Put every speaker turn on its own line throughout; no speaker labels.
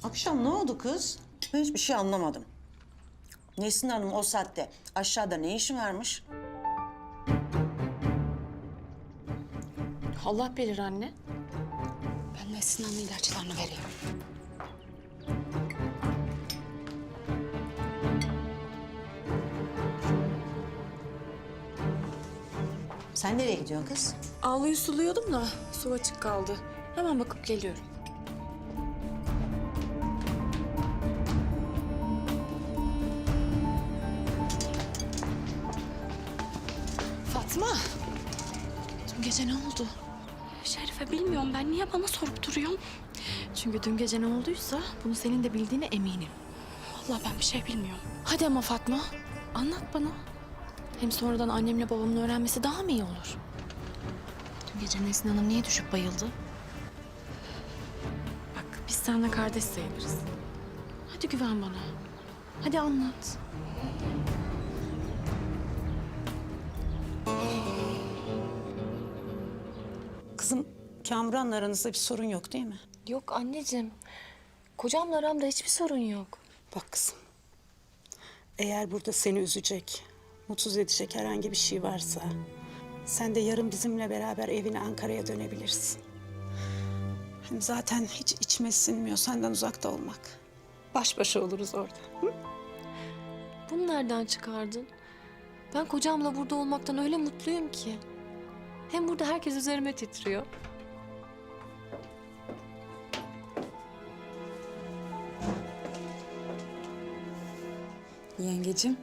Akşam ne oldu kız? Ben hiçbir şey anlamadım. Nesrin Hanım o saatte aşağıda ne işi varmış?
Allah bilir anne. Ben Nesrin Hanım'ın ilaçlarını vereyim.
Sen nereye gidiyorsun kız?
Ağlayı suluyordum da su açık kaldı. Hemen bakıp geliyorum. Fatma! Dün gece ne oldu?
Şerife bilmiyorum ben. Niye bana sorup duruyorsun?
Çünkü dün gece ne olduysa bunu senin de bildiğine eminim.
Vallahi ben bir şey bilmiyorum.
Hadi ama Fatma, anlat bana. Hem sonradan annemle babamın öğrenmesi daha mı iyi olur? Dün gece Nesrin Hanım niye düşüp bayıldı? Bak biz seninle kardeş sayılırız. Hadi güven bana. Hadi anlat.
Kızım Kamuran'la aranızda bir sorun yok değil mi?
Yok anneciğim. Kocamla aramda hiçbir sorun yok.
Bak kızım, eğer burada seni üzecek, mutsuz edecek herhangi bir şey varsa... ...sen de yarın bizimle beraber evine Ankara'ya dönebilirsin. Hem zaten hiç içime sinmiyor senden uzakta olmak. Baş başa oluruz orada. Hı?
Bunu nereden çıkardın? Ben kocamla burada olmaktan öyle mutluyum ki. Hem burada herkes üzerime titriyor.
Yengecim.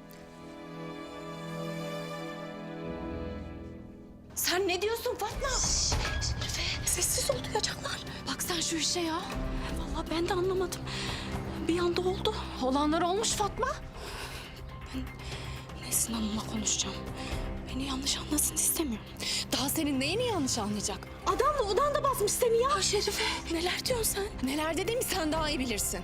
Sen ne diyorsun Fatma?
Sessiz ol duyacaklar.
Bak sen şu işe ya.
Vallahi ben de anlamadım. Bir anda oldu.
Olanlar olmuş Fatma.
Nesrin Hanım'la konuşacağım. Beni yanlış anlasın istemiyorum.
Daha senin neyini yanlış anlayacak?
Adamla odanda basmış seni ya. Şerife neler diyorsun sen?
Neler dediğimi sen daha iyi bilirsin.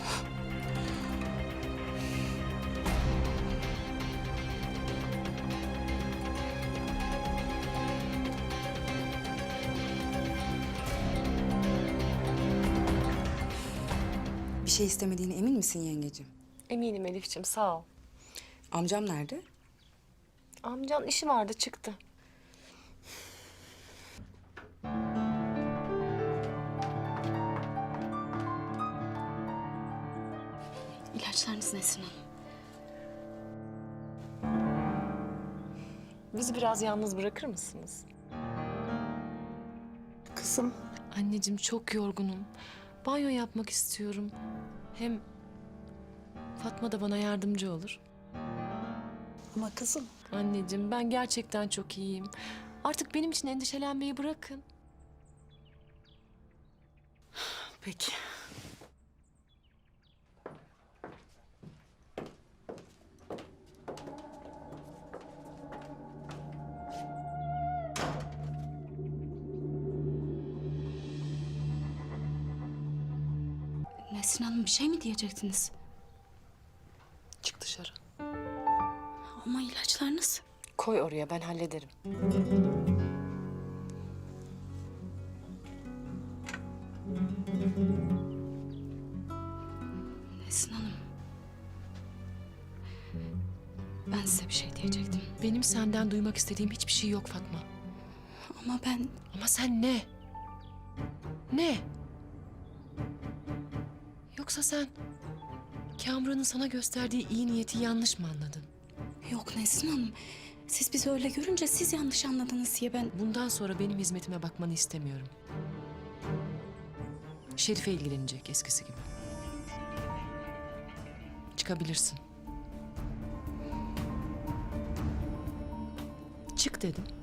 Bir şey istemediğine emin misin yengecim?
Eminim Elif'ciğim sağ ol.
Amcam nerede?
Amcan işi vardı çıktı.
İlaçlarınız Nesrin Hanım.
Bizi biraz yalnız bırakır mısınız?
Kızım,
Anneciğim çok yorgunum. Banyo yapmak istiyorum. Hem Fatma da bana yardımcı olur.
ama kızım...
Anneciğim ben gerçekten çok iyiyim. Artık benim için endişelenmeyi bırakın.
Peki.
Nesrin Hanım bir şey mi diyecektiniz?
Çık dışarı.
Ama ilaçlarınız.
Koy oraya ben hallederim.
Nesrin Hanım. Ben size bir şey diyecektim.
Benim senden duymak istediğim hiçbir şey yok Fatma.
Ama ben
Ama sen ne? Ne? Yoksa sen Kamuran'ın sana gösterdiği iyi niyeti yanlış mı anladın?
yok Nesrin Hanım. Siz bizi öyle görünce siz yanlış anladınız diye ben...
Bundan sonra benim hizmetime bakmanı istemiyorum. Şerife ilgilenecek eskisi gibi. Çıkabilirsin. Çık dedim.